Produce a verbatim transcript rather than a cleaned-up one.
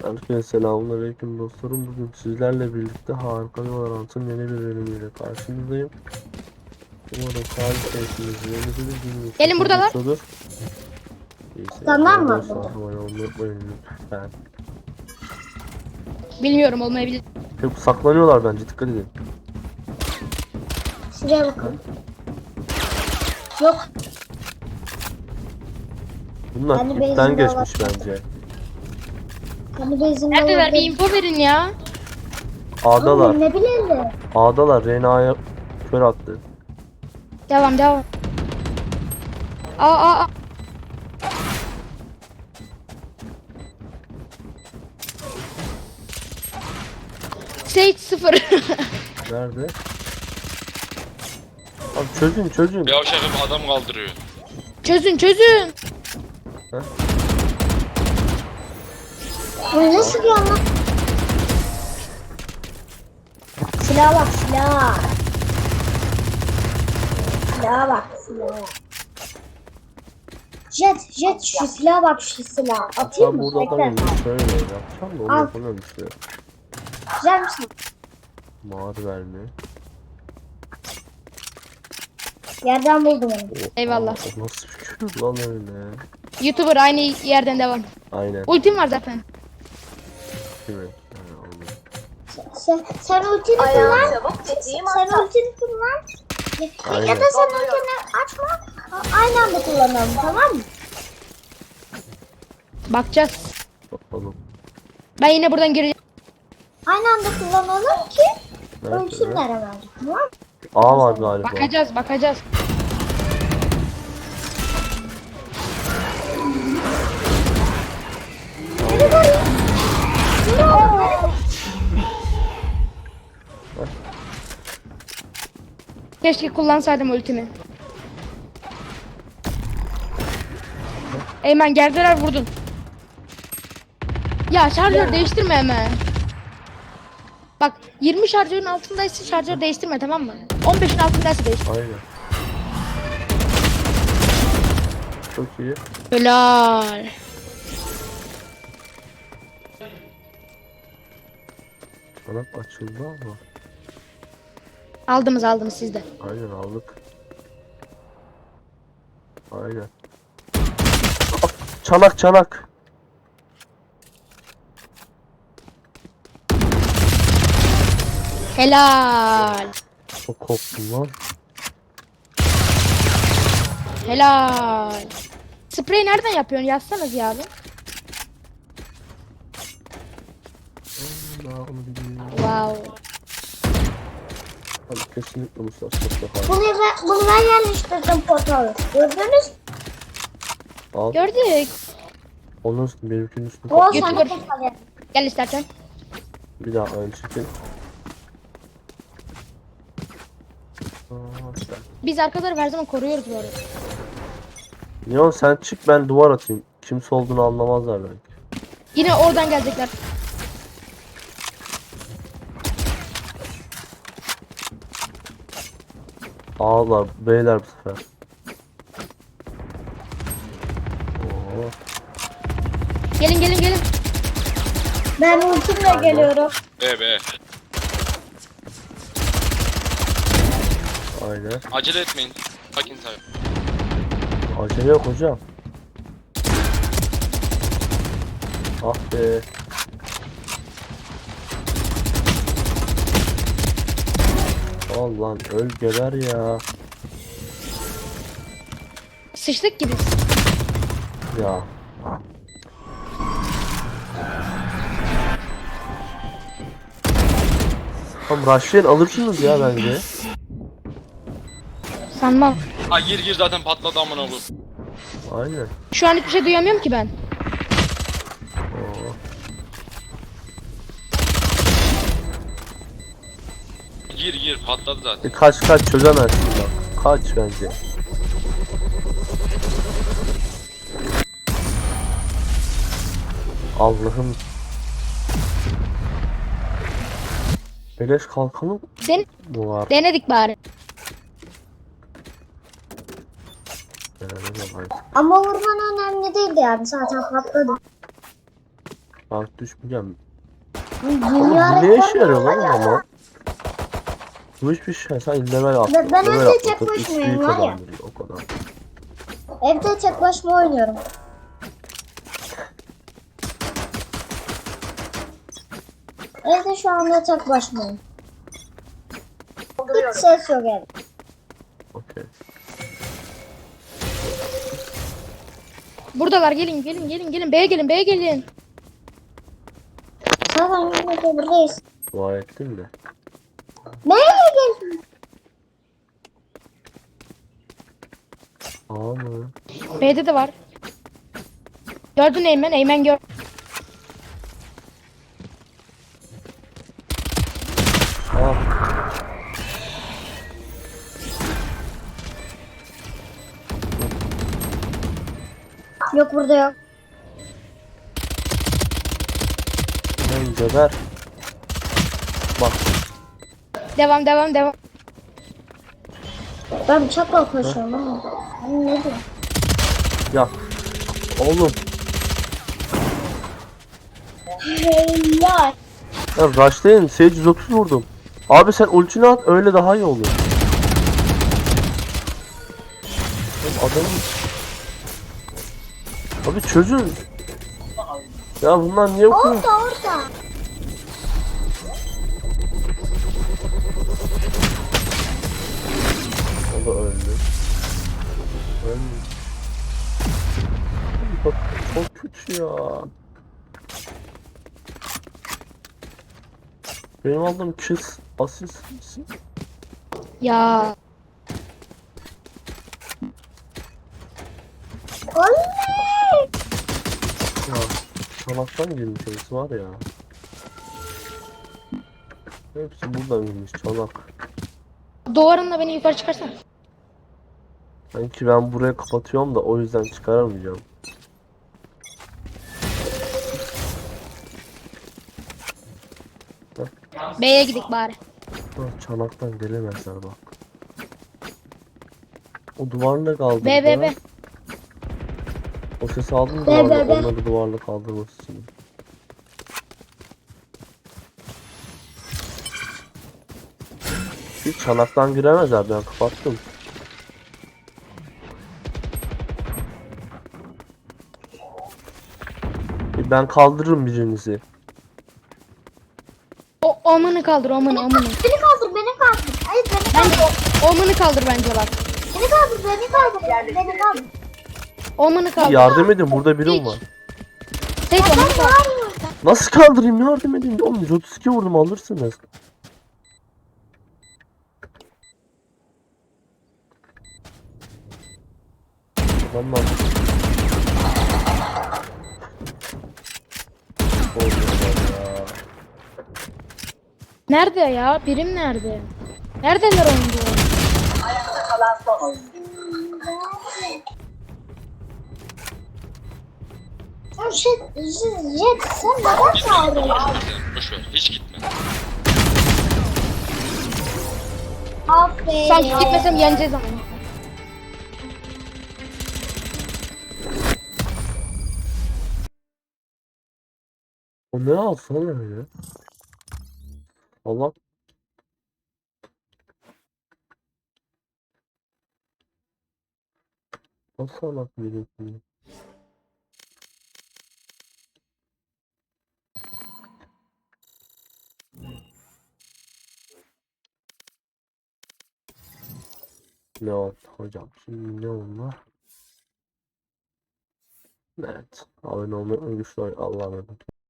Herkese selamünaleyküm dostlarım. Bugün sizlerle birlikte harika bir Valorant'ın yeni bir bölümüyle karşınızdayım. Umarım kalitesiniz yenidir, gününüz Gelin çok buradalar. geçiyordur. İyisi Tamam mı? dostlar, abone olmayı unutmayın lütfen. Bilmiyorum, olmayabilir. Hep saklanıyorlar bence, dikkat edin. Şuraya bakın. Yok. Bunlar Yani ipten benzin geçmiş var. bence. Hani bezinde Neredeler? Bir info verin ya. A'dalar, Ne bileyim. A'dalar. Reyna'ya kör attı. Devam devam. Aa aa aa. Sage sıfır. Nerede? Abi çözün çözün. Bir yavşakım adam kaldırıyor. Çözün çözün. Bu nasıl bir anlam? Silaha bak silah. Silaha bak silah. Jet jet şu silaha bak şu silah. Atayım Ben mı? burada adamı Bekle. şöyle yapacağım da onu Al. yapamıyorum işte. Güzel misin? Mavi verme. Yerden buldum onu. Oha, Eyvallah. o nasıl bir küfür lan öyle? YouTuber aynı yerden devam. Aynen. Ultim var zaten. Değil mi? Ha, anladım. Sen, sen ultini kullan. Sen ultini kullan. Ya, Aynen. ya da sen ultini açma. Aynı anda kullanalım, tamam mı? Bakacağız. Bakalım. Ben yine buradan gireceğim. Aynı anda kullanalım ki Nerede? ölçünler hemen. Tamam mı? A var galiba. Bakacağız bakacağız. Beni var ya. Beni var. Keşke kullansaydım ultimi. Eymen geldiler vurdun. Ya şarjör değiştirme hemen. Bak yirmi şarjörün altındaysa şarjör değiştirme, tamam mı? on beşin altındaysa değiştir. Aynen. Çok iyi. Helal. Çanak açıldı ama. Aldınız aldınız siz de. Aynen aldık. Aynen. Ah, çanak çanak. Helal. Çok korktum lan. Helal. Sprey nereden yapıyorsun? Yazsanız ya abi. Allah onu bileyim. Wow. Abi kesinlikle bu saçma sapan. Bunu ben, bunu ben yerleştirdim portalı. Gördünüz mü? Al. Gördük. Onun üstüne benimkinin üstüne O koy. Götür, sana götür. portal yer. Gel istersen. Bir daha aynı şekil. Aa, sen. Biz arkaları her zaman koruyoruz bu arada. Neon sen çık, ben duvar atayım. Kimse olduğunu anlamazlar belki. Yine oradan gelecekler. Ağlar beyler bu sefer. Oo. Gelin gelin gelin. Ben ultimle geliyorum. Be be. Aynen. Acele etmeyin. Sakin sakin. Acele yok hocam. Ah be. Al lan öl geber ya. Sıçtık gibi. Ya. Tam rushlayın alırsınız ya bence. Sanmam. Ha gir gir zaten patladı amına koyayım. Aynen. Şu an hiçbir şey duyamıyorum ki ben. Oo. Gir gir patladı zaten. E kaç kaç çözemezsin bak. Kaç bence. Allah'ım. Beleş kalkanı Den mı var? denedik bari. Yani, Ama vurman önemli değildi yani zaten patladı. Bak düşmeyeceğim. Dünya Bu ne işe rekoru yarıyor lan var ya. ama? Bu hiçbir şey. Sen level attın. Ben- ben level önce atlatır, tek başımayım X P var ya. kazandırıyor, o kadar. Evde tek başıma oynuyorum. Evde şu anda tek başımayım. Hiç ses yok evde. Okey. Buradalar, gelin gelin gelin gelin. B'ye gelin, B'ye gelin. Zaten yine de buradayız. Dua ettim de. Nereye geldin? Aa mı? B'de de var. Gördün Eymen, Eymen gör. Aa. Yok burada yok. Lan geber. Bak. Devam devam devam. Ben bıçakla koşuyorum ama. Ben ne diyorum? Ya. Oğlum. Helal. Ya rushlayın. Sage yüz otuz vurdum. Abi sen ultini at, öyle daha iyi oluyor. Oğlum adamın... Abi çözün. Ya bunlar niye okuyor? Orada orada. O da öldü. Öldü. Bak çok kötü ya. Benim aldığım kiss asist. Ya Oley. Ya çanaktan girmiş hepsi var ya. Hepsi buradan girmiş çanak. duvarınla beni yukarı çıkarsan. Sanki ben buraya kapatıyorum da o yüzden çıkaramayacağım. B'ye gidik bari. Ha, çanaktan gelemezler bak. O duvarla kaldırdı. B B B. O sesi aldın mı Be, duvarla, be, be. onları duvarla kaldırması için. Hiç çanaktan giremezler, ben kapattım. E, Ben kaldırırım birinizi. O omunu kaldır, omunu omunu. Beni kaldır, beni kaldır. Hayır beni Bence kaldır. o, omunu kaldır bence bak. Beni kaldır, beni kaldır. Beni kaldır. Omunu kaldır. Yardım edin, burada birim Hiç. var. Tek omunu kaldır. Var mı? Nasıl kaldırayım, yardım edin. Oğlum yüz otuz iki vurdum, alırsınız. Adamlar. Oynuyorlar ya. Nerede ya? Birim nerede? Neredeler oyuncu? Ya şey, Jet sen neden çağırıyorsun? Boş ver. Hiç gitme. Aferin. Sanki gitmesem yeneceğiz ama. O ne alsana öyle? Allah. Nasıl alak birisini? Ne oldu hocam? Şimdi ne oldu? Evet. Abone olmayı, güçlü Allah'a emanet.